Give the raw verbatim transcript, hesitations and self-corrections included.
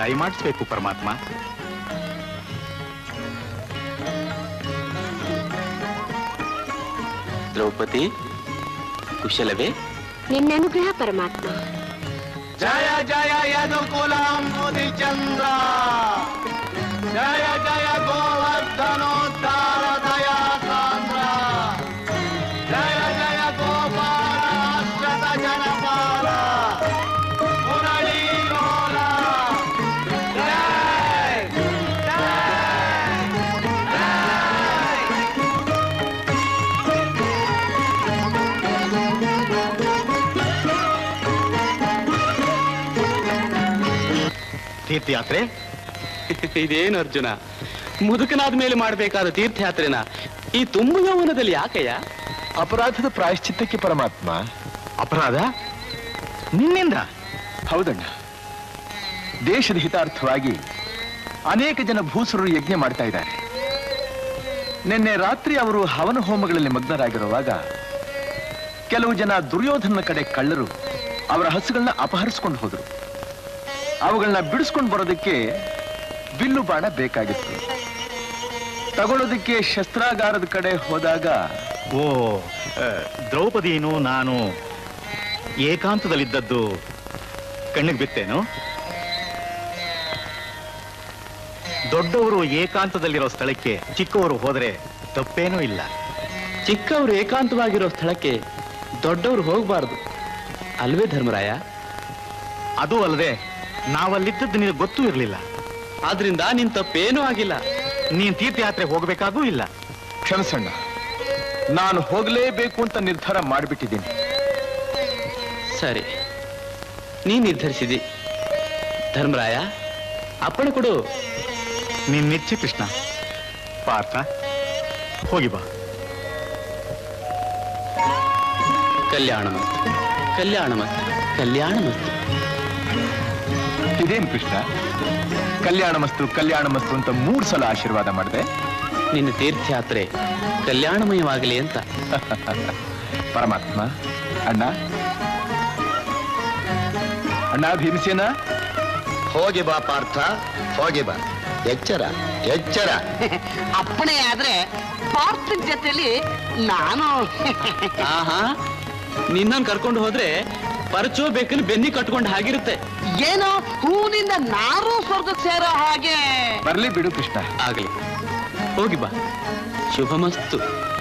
ದಯಮಾಡಿಸ್ಬೇಕು ಪರಮಾತ್ಮ. ದ್ರೌಪದಿ, ಕುಶಲವೇ? ನಿನ್ನ ಅನುಗ್ರಹ ಪರಮಾತ್ಮ. ಜಯ ಜಯ ಯದುಕುಲಂ ಮುದಿಚಂದ್ರ, ಜಯ ಜಯ ಗೋವರ್ಧನೋದ್ಧಾರ ದಯಾ ಸಾಂದ್ರ, ಜಯ ಜಯ ಗೋಪಾಲಾಶ್ರತ ಜನಪಾಲ ಮುರಳೀ ಲೋಲ. ಜಯ ಜಯ ತೀರ್ಥಯಾತ್ರೆ. ಇದೇನು ಅರ್ಜುನ, ಮುದುಕನಾದ ಮೇಲೆ ಮಾಡಬೇಕಾದ ತೀರ್ಥಯಾತ್ರೆನ ಈ ತುಂಬು ಯೌವನದಲ್ಲಿ ಯಾಕಯ್ಯ? ಅಪರಾಧದ ಪ್ರಾಯಶ್ಚಿತ್ತಕ್ಕೆ ಪರಮಾತ್ಮ. ಅಪರಾಧ ನಿನ್ನಿಂದ? ಹೌದಣ್ಣ. ದೇಶದ ಹಿತಾರ್ಥವಾಗಿ ಅನೇಕ ಜನ ಭೂಸುರರು ಯಜ್ಞ ಮಾಡ್ತಾ ಇದ್ದಾರೆ. ನಿನ್ನೆ ರಾತ್ರಿ ಅವರು ಹವನ ಹೋಮಗಳಲ್ಲಿ ಮಗ್ನರಾಗಿರುವಾಗ ಕೆಲವು ಜನ ದುರ್ಯೋಧನ ಕಡೆ ಕಳ್ಳರು ಅವರ ಹಸುಗಳನ್ನ ಅಪಹರಿಸ್ಕೊಂಡು ಹೋದ್ರು. ಅವುಗಳನ್ನ ಬಿಡಿಸ್ಕೊಂಡು ಬರೋದಕ್ಕೆ ಬಿಲ್ಲು ಬಾಣ ಬೇಕಾಗಿತ್ತು. ತಗೊಳ್ಳೋದಕ್ಕೆ ಶಸ್ತ್ರಾಗಾರದ ಕಡೆ ಹೋದಾಗ ಓ, ದ್ರೌಪದಿನು ನಾನು ಏಕಾಂತದಲ್ಲಿದ್ದದ್ದು ಕಣ್ಣಿಗೆ ಬಿತ್ತೇನು? ದೊಡ್ಡವರು ಏಕಾಂತದಲ್ಲಿರೋ ಸ್ಥಳಕ್ಕೆ ಚಿಕ್ಕವರು ಹೋದರೆ ತಪ್ಪೇನೂ ಇಲ್ಲ. ಚಿಕ್ಕವರು ಏಕಾಂತವಾಗಿರೋ ಸ್ಥಳಕ್ಕೆ ದೊಡ್ಡವರು ಹೋಗಬಾರದು ಅಲ್ವೇ ಧರ್ಮರಾಯ? ಅದು ಅಲ್ಲದೆ ನಾವಲ್ಲಿದ್ದದ್ದು ನಿನಗೆ ಗೊತ್ತೂ ಇರಲಿಲ್ಲ. ಆದ್ರಿಂದ ನಿನ್ ತಪ್ಪೇನೂ ಆಗಿಲ್ಲ. ನೀನ್ ತೀರ್ಥಯಾತ್ರೆ ಹೋಗಬೇಕಾಗೂ ಇಲ್ಲ. ಕ್ಷಮಿಸಣ್ಣ, ನಾನು ಹೋಗಲೇಬೇಕು ಅಂತ ನಿರ್ಧಾರ ಮಾಡಿಬಿಟ್ಟಿದ್ದೀನಿ. ಸರಿ, ನೀ ನಿರ್ಧರಿಸಿದಿ. ಧರ್ಮರಾಯ, ಅಪ್ಪಣೆ ಕೊಡು. ನೀನ್ ನಿಚ್ಚಿ ಕೃಷ್ಣ. ಪಾರ್ಥ, ಹೋಗಿ ಬಾ. ಕಲ್ಯಾಣ ಮಸ್ತು, ಕಲ್ಯಾಣ ಮಸ್ತು, ಕಲ್ಯಾಣ ಮಸ್ತು. ಇದೇನು ಕೃಷ್ಣ, ಕಲ್ಯಾಣ ಮಸ್ತು ಕಲ್ಯಾಣ ಮಸ್ತು ಅಂತ ಮೂರು ಸಲ ಆಶೀರ್ವಾದ ಮಾಡಿದೆ. ನಿನ್ನ ತೀರ್ಥಯಾತ್ರೆ ಕಲ್ಯಾಣಮಯವಾಗಲಿ ಅಂತ. ಪರಮಾತ್ಮ. ಅಣ್ಣ ಅಣ್ಣ ಭೀಮಸೇನ, ಹೋಗಿ ಬಾ ಪಾರ್ಥ, ಹೋಗಿ ಬಾ. ಎಚ್ಚರ ಎಚ್ಚರ. ಅಪ್ಪಣೆ ಆದ್ರೆ ಪಾರ್ಥನ ಜೊತೆಲಿ ನಾನು. ಆಹಾ, ನಿನ್ನನ್ನು ಕರ್ಕೊಂಡು ಹೋದ್ರೆ ಪರಚೋ ಬೇಕಲ್ಲಿ ಬೆನ್ನಿ ಕಟ್ಕೊಂಡು ಹಾಗಿರುತ್ತೆ. ಏನೋ ಹೂವಿನಿಂದ ನಾರು ಸ್ವರ್ಗಕ್ಕೆ ಸೇರೋ ಹಾಗೆ. ಬರ್ಲಿ ಬಿಡು ಕೃಷ್ಣ. ಆಗ್ಲಿ, ಹೋಗಿ ಬಾ. ಶುಭಮಸ್ತು.